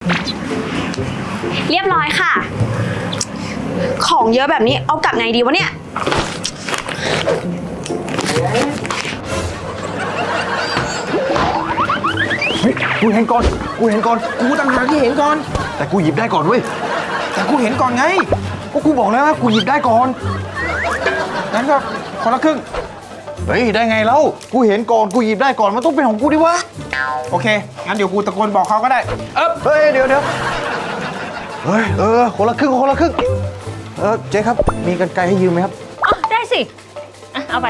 เรียบร้อยค่ะ ของเยอะแบบนี้เอากลับไงดีวะเนี่ยเฮ้ยกูเห็นก่อนกูต่างหากที่เห็นก่อนแต่กูหยิบได้ก่อนเว้ยแต่กูเห็นก่อนไงก็กูบอกแล้วว่ากูหยิบได้ก่อนงั้นก็คนละครึ่งเฮ้ยได้ไงเล่ากูเห็นก่อนกูหยิบได้ก่อนมันต้องเป็นของกูดิวะโอเคงั้นเดี๋ยวกูตะโกนบอกเขาก็ได้เฮ้ยเดี๋ยวเฮ้ยคนละครึ่งเจ๊ครับมีกรรไกรให้ยืมไหมครับอ๋อได้สิเอาไป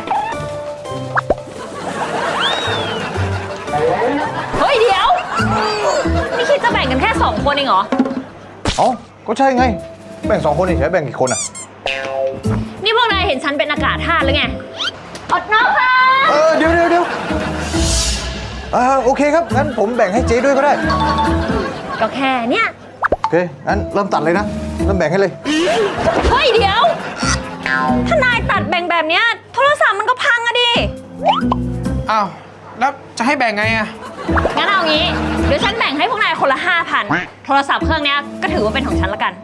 เฮ้ยเดี๋ยวนี่คิดจะแบ่งกันแค่2 คนเองเหรอเอ้าก็ใช่ไงแบ่ง2 คนเฉยแบ่งกี่คนอ่ะนี่พวกนายเห็นฉันเป็นอากาศธาตุหรือไงอดน้องค่ะเดี๋ยวโอเคครับงั้นผมแบ่งให้เจ๊ด้วยก็ได้ก็แค่เนี้ยโอเคงั้นเริ่มตัดเลยนะเริ่มแบ่งให้เลยเฮ้ยเดี๋ยวถ้านายตัดแบ่งแบบเนี้ยโทรศัพท์มันก็พังอะดิอ้าวแล้วจะให้แบ่งไงอะงั้นเอางี้เดี๋ยวฉันแบ่งให้พวกนายคนละ 5,000 โทรศัพท์เครื่องเนี้ยก็ถือว่าเป็นของฉันละกัน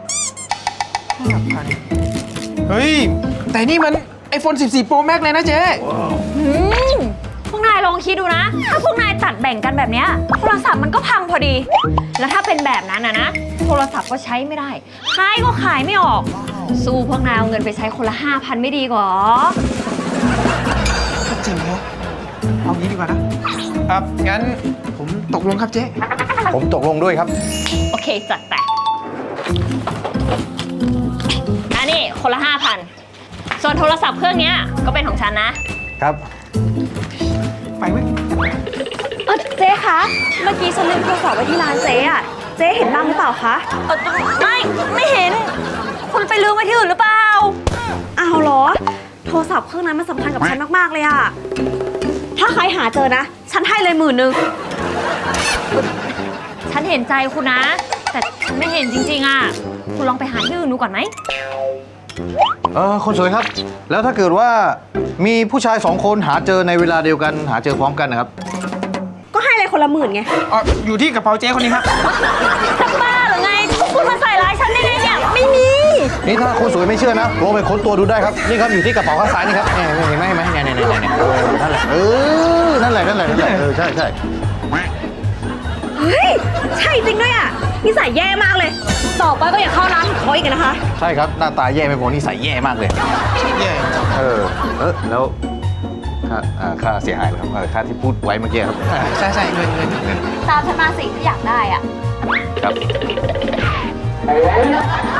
เฮ้ยแต่นี่มัน iPhone 14 Pro Max เลยนะเจ๊พวกนายลองคิดดูนะ ถ้าพวกนายตัดแบ่งกันแบบเนี้ยโทรศัพท์มันก็พังพอดี แล้วถ้าเป็นแบบนั้นนะโทรศัพท์ก็ใช้ไม่ได้ขายก็ขายไม่ออก สู้พวกนายเอาเงินไปใช้คนละ 5,000 ไม่ดีกว่าจริงเหรอเอางี้ดีกว่านะงั้นผมตกลงครับเจ๊ผมตกลงด้วยครับโอเคจัดไปอันนี้คนละ 5,000 ส่วนโทรศัพท์เครื่องเนี้ยก็เป็นของฉันนะครับไปเว้ยเจ๊คะเมื่อกี้ฉันลืมโทรศัพท์ไว้ที่ร้านเจ๊อะเจ๊เห็นบ้างหรือเปล่าคะไม่เห็น คุณไปลืมไว้ที่อื่นหรือเปล่าอ้าวเหรอโทรศัพท์เครื่องนั้นมันสำคัญกับฉันมากๆเลยอะถ้าใครหาเจอนะฉันให้เลย10,000 ฉันเห็นใจคุณนะ แต่ฉันไม่เห็นจริงๆอ่ะ คุณลองไปหาที่อื่นดูก่อนไหมคนสวยครับ แล้วถ้าเกิดว่ามีผู้ชาย2 คนหาเจอในเวลาเดียวกันหาเจอพร้อมกันนะครับก็ให้เลยคนละ10,000ไงอยู่ที่กระเป๋าเจ๊คนนี้ครับจะบ้าหรือไง คุณมาใส่ร้ายฉันได้ไงเนี่ย ไม่มีนี่ถ้าคนสวยไม่เชื่อนะลองไปค้นตัวดูได้ครับนี่ครับอยู่ที่กระเป๋าข้างซ้ายนี่ครับเนี่ยเห็นไหมเนี่ยนั่นแหละนั่นแหละใช่เฮ้ยใช่จริงด้วยอะนิสัยแย่มากเลยต่อไปก็อย่าเข้าร้านของเขาอีกนะคะใช่ครับหน้าตาแย่ไม่พอนิสัยแย่มากเลยแย่แล้วค่าเสียหายเหรอครับค่าที่พูดไว้เมื่อกี้ครับใช่เงินตามฉันมาสิถ้าอยากได้อะครับ